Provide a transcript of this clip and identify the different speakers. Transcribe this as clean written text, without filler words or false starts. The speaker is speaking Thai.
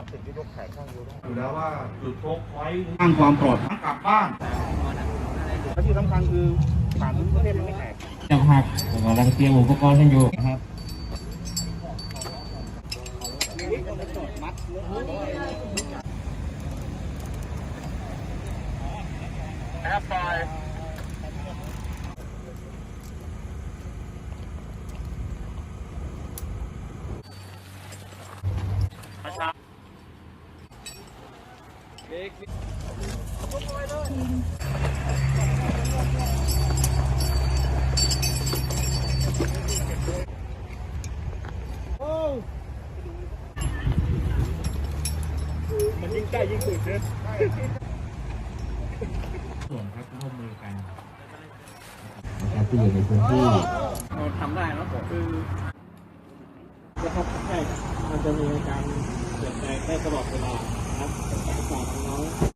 Speaker 1: ติดที่รถแขกข้างอยู่
Speaker 2: อยู่แล้วว่าจุดโชคไว้สร้างความปลอดภัยกลับบ้าน
Speaker 1: และที่สำคัญคือผ่านทุกประเทศมันไม่แตก
Speaker 3: จังหักกำลังเตรียมอุปกรณ์กันอยู่นะครับ
Speaker 1: ปล่อยมันยิ่งใกล้ยิ่งสุดเลย
Speaker 3: ส่วนครับร่วมมือกันนะครับที่อยู่ในพื้นที่
Speaker 1: เราทำได้แล้วคือนะครับใช่มันจะมีการเปลี่ยนแปลงได้ตลอดเวลานะครับจากน้อง